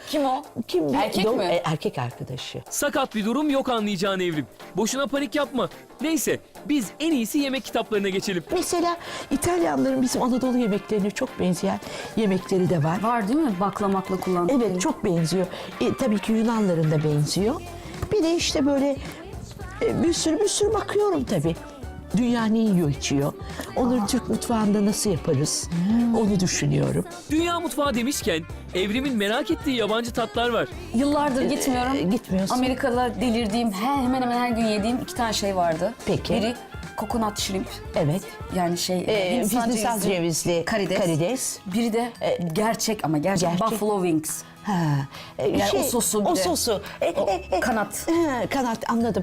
Kim o? Kim? Erkek mi? Erkek arkadaşı. Sakat bir durum yok anlayacağın Evrim. Boşuna panik yapma. Neyse biz en iyisi yemek kitaplarına geçelim. Mesela İtalyanların bizim Anadolu yemeklerine çok benzeyen yemekleri de var. Var değil mi? Baklamakla kullandıkları. Evet, çok benziyor. Tabii ki Yunanların da benziyor. Bir de işte böyle bir sürü bakıyorum tabii. Dünya ne yiyor içiyor. Onları Türk mutfağında nasıl yaparız? Onu düşünüyorum. Dünya mutfağı demişken Evrim'in merak ettiği yabancı tatlar var. Yıllardır gitmiyorum. Gitmiyorsun. Amerika'da delirdiğim, hemen hemen her gün yediğim 2 tane şey vardı. Peki. Biri coconut shrimp. Evet. Yani Hindistan cevizli karides. Biri de gerçek ama gerçek buffalo wings. Ha, Yani o sosu bir o de. sosu. Kanat. Kanat, anladım.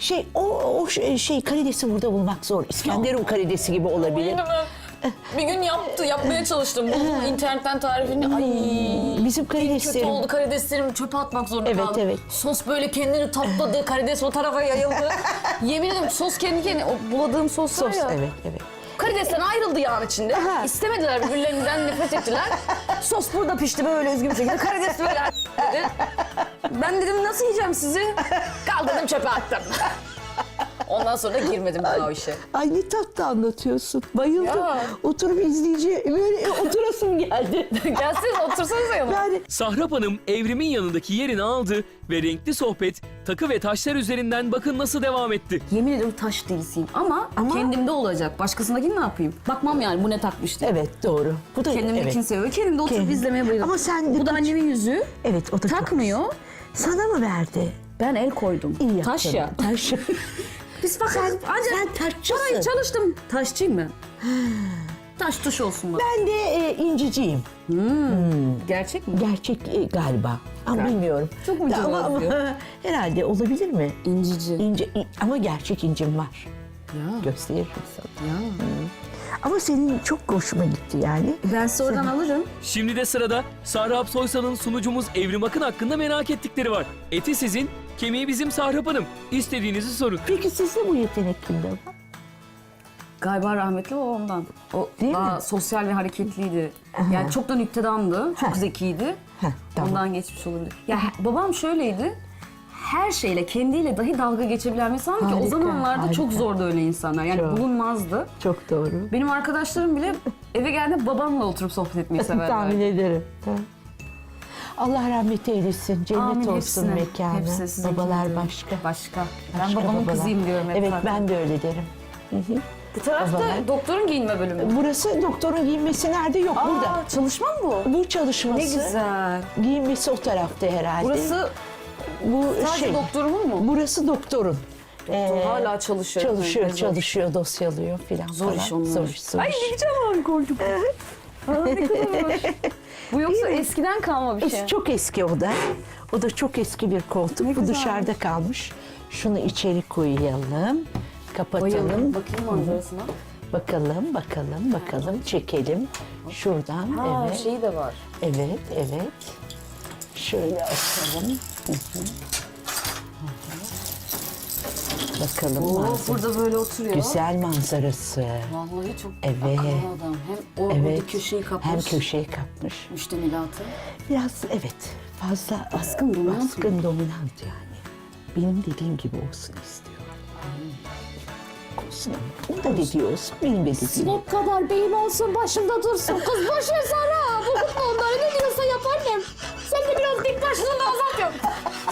Şey karidesi burada bulmak zor. İskenderun karidesi gibi olabilir. Bir gün yapmaya çalıştım. Buldum internetten tarifini. Ay. Bizim Kötü karideslerim. oldu, karideslerimi çöpe atmak zorunda Evet, kaldım. evet. Sos böyle kendini tapladı, karides o tarafa yayıldı. Yemin ederim sos kendi kendine, o buladığım sos var ya. Evet. Karidesten ayrıldı yağın içinde. Aha. İstemediler, birbirlerinden nefret ettiler. Sos burada pişti böyle üzgün bir şekilde. Karides böyle dedi. Ben dedim nasıl yiyeceğim sizi? Kaldırdım çöpe attım. Ondan sonra da girmedim daha o işe. Ay ne tatlı anlatıyorsun. Bayıldım. Ya. Oturup izleyici böyle oturasım geldi. Gelseniz otursanıza yanıma. Yani Sahrap Hanım Evrim'in yanındaki yerini aldı ve renkli sohbet takı ve taşlar üzerinden bakın nasıl devam etti. Yemin ederim taş delisiyim ama kendimde olacak. Başkasındakini ne yapayım? Bakmam yani bu ne takmış diye. evet, doğru. Bu da Kendimdekini seviyor. Kendimde oturup Kendim. izlemeye bayılıyorum. Ama sen de Bu da annemin yüzüğü. Evet, o da çok Takmıyor. Sana mı verdi? Ben el koydum. İyi yaptın. Taş ya. Taş. Biz bak Sen ancak taşçısın. parayı çalıştım. Taşçıyım ben. Taş tuş olsun bak. Ben de inciciyim. Gerçek mi? Gerçek galiba. Ama bilmiyorum. Çok mu ama diyor? herhalde olabilir mi? İncici. Ama gerçek incim var. Ya. Gösteririm sana. Ya. Ama senin çok hoşuma gitti yani. Ben size oradan alırım. Şimdi de sırada Sahrap Soysal'ın sunucumuz Evrim Akın hakkında merak ettikleri var. Eti sizin, kemiği bizim Sahrap Hanım. İstediğinizi sorun. Peki sizde bu yetenek kimde var? Galiba rahmetli babamdan. O Değil daha mi? sosyal ve hareketliydi. Yani çok da nüktedandı. Çok zekiydi. Tamam. Ondan geçmiş olabilir. Ya babam şöyleydi. Her şeyle, kendiyle dahi dalga geçebilen bir insan ki o Harika, zamanlarda harika. çok zordu öyle insanlar. Yani Çok. bulunmazdı. Çok doğru. Benim arkadaşlarım bile eve geldiğinde babamla oturup sohbet etmeyi Tahmin severler. ederim. Allah rahmet eylesin. Cennet Amin, olsun hepsine. mekanı. Hepsi sizinki Babalar gibi. başka. Başka. Ben Başka babamın babalar. kızıyım diyorum hep Evet, zaten. ben de öyle derim. Bu tarafta babalar. doktorun giyinme bölümü. Burası doktorun giyinmesi nerede? Yok, burada. Çalışma mı bu? Bu çalışması. Ne güzel. Giyinmesi o tarafta herhalde. Burası bu sadece doktorumun mu? Burası doktorun. Hala çalışıyor. Çalışıyor, Evet. çalışıyor, dosyalıyor filan. Zor iş falan. onlar. Zor iş. Ay ne güzel harika oldu. Ne kadar hoş. Bu yoksa eskiden kalma bir şey. Çok eski o da. O da çok eski bir koltuk. Ne Bu güzel. dışarıda kalmış. Şunu içeri koyalım. Kapatalım. Bayıldım. Bakayım manzarasına. Bakalım. Çekelim. Şuradan. Ha evet. şeyi de var. Evet. Şöyle açalım. Bakalım manzara. Burada böyle oturuyor. Güzel manzarası. Vallahi çok Evet. akıllı adam. Hem o Evet. orada köşeyi kapmış. Hem köşeyi kapmış. Müştemilatı. Biraz fazla Baskın, dominant baskın, dominant yani. Benim dediğim gibi olsun istiyorum. Olsun ama. O da dediği olsun, benim de dediğim. Sinek kadar beyim olsun başımda dursun. Kız boş ver Sara. Bu onları ne diyorsa yap annem. Sen de biraz dik başlığını azalt yap.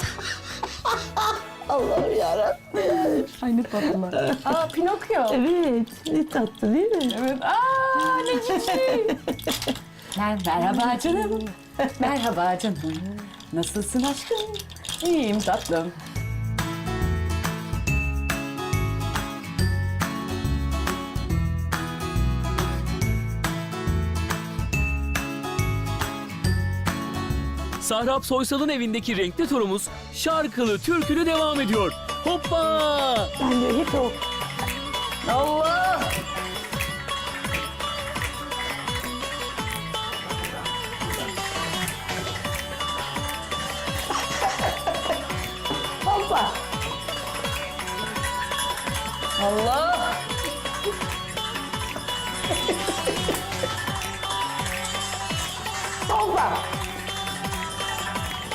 Allah'ım yarabbim. Aynı tatlılar. Aa Pinokyo. Evet, ne tatlı değil mi? Evet. Aa ne cici. Merhaba canım. Merhaba canım. Nasılsın aşkım? İyiyim tatlım. Sahrap Soysal'ın evindeki renkli turumuz şarkılı türkülü devam ediyor. Hoppa! Ben de hep o Allah! hoppa. Allah! Hoppa.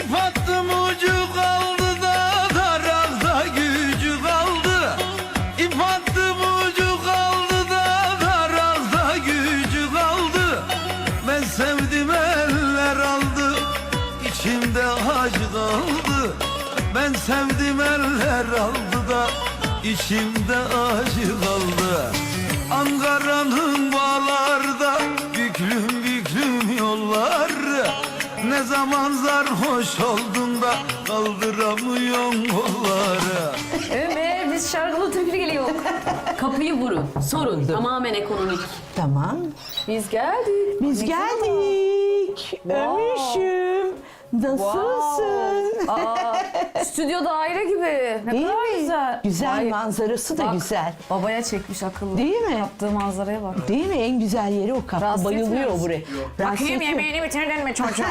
İp attım ucu kaldı da darakta gücü kaldı. İp attım ucu kaldı da darakta gücü kaldı. Ben sevdim eller aldı, içimde acı kaldı. Ben sevdim eller aldı da içimde acı kaldı. Ankara'nın bağlarda büklüm büklüm yollar. Ne zaman sarhoş oldun da kaldıramıyorsun kolları. Ömer biz şarkılı türkülü geliyor. Kapıyı vurun. Sorun. Tamamen ekonomik. Tamam. Biz geldik. Biz geldik. Ömüşüm. Nasılsın? Aa, stüdyo daire gibi. Ne Değil kadar mi? güzel. Güzel Vay, manzarası da bak, güzel. Babaya çekmiş akıllı. Değil mi? Yaptığı manzaraya bak. Değil mi? En güzel yeri o kapı. Rahatsız Bayılıyor etmiyoruz. buraya. Rahatsız Bakayım etmiyor. yemeğini bitirdin mi çocuğum?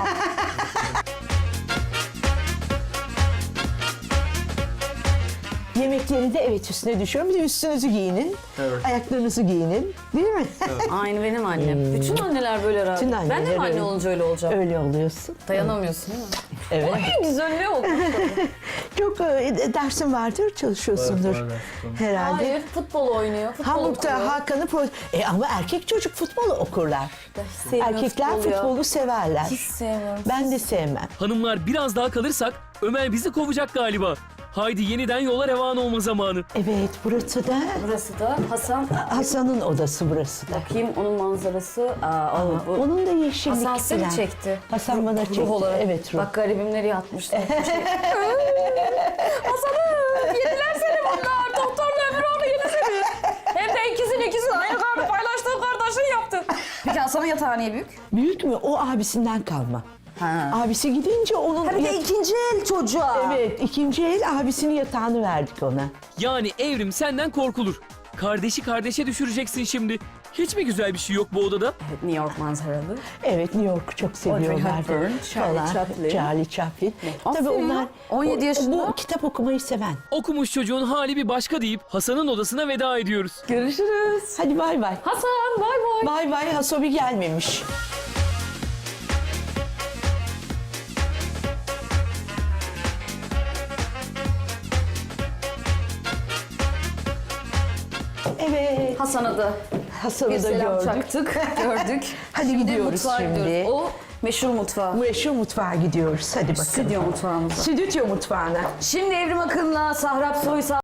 Yemekleri de evet üstüne düşüyorum. Bir de üstünüzü giyinin. Ayaklarınızı giyinin. Değil mi? Aynı benim annem. Bütün anneler böyle rahat. Bütün Ben de anneler mi anne öyle. olunca öyle olacağım? Öyle oluyorsun. Dayanamıyorsun değil mi? Evet. Ay güzelliğe bak. Çok dersin vardır, çalışıyorsundur. Herhalde. Hayır futbol oynuyor. Futbol Hamburg'da okuyor. Hakan'ı ama erkek çocuk futbolu okurlar. Hiç sevmiyorum Erkekler futbolu ya. futbolu severler. Hiç sevmiyorum. Ben de sevmem. Hanımlar biraz daha kalırsak Ömer bizi kovacak galiba. Haydi yeniden yola revan olma zamanı. Evet, burası da Burası da Hasan. Hasan'ın odası burası da. Bakayım onun manzarası. Aa, bu. Onun da yeşillik Hasan seni falan. çekti. Hasan bana çekti. Ruh olarak. Evet, ruh. Bak garibim nereye yatmıştı. Hasan'ım yediler seni bunlar. Doktorla Ömüroğlu yedi seni. Hem de ikisini aynı karnı paylaştığın kardeşin yaptın. Peki Hasan'ın yatağı niye büyük? Büyük mü? O abisinden kalma. Ha. Abisi gidince onun... Bir de ikinci el çocuğa. Evet, ikinci el abisinin yatağını verdik ona. Yani Evrim senden korkulur. Kardeşi kardeşe düşüreceksin şimdi. Hiç mi güzel bir şey yok bu odada? Evet, New York manzaralı. Evet, New York'u çok seviyorlar. Hepburn, Charlie Chaplin. Charlie Chaplin. Tabii Aferin ya, onlar 17 yaşında. Bu kitap okumayı seven. Okumuş çocuğun hali bir başka deyip Hasan'ın odasına veda ediyoruz. Görüşürüz. Hadi bay bay. Hasan bay bay. Bay bay, Hasobi gelmemiş. Evet, Hasan'a da Hasan'ı bir da selam gördük. çaktık, gördük. Hadi Şimdi gidiyoruz mutfağa şimdi. gidiyoruz. O meşhur mutfağı. Meşhur mutfağa gidiyoruz. Hadi bakalım. Stüdyo mutfağımıza. Stüdyo mutfağına. Şimdi Evrim Akın'la Sahrap Soysal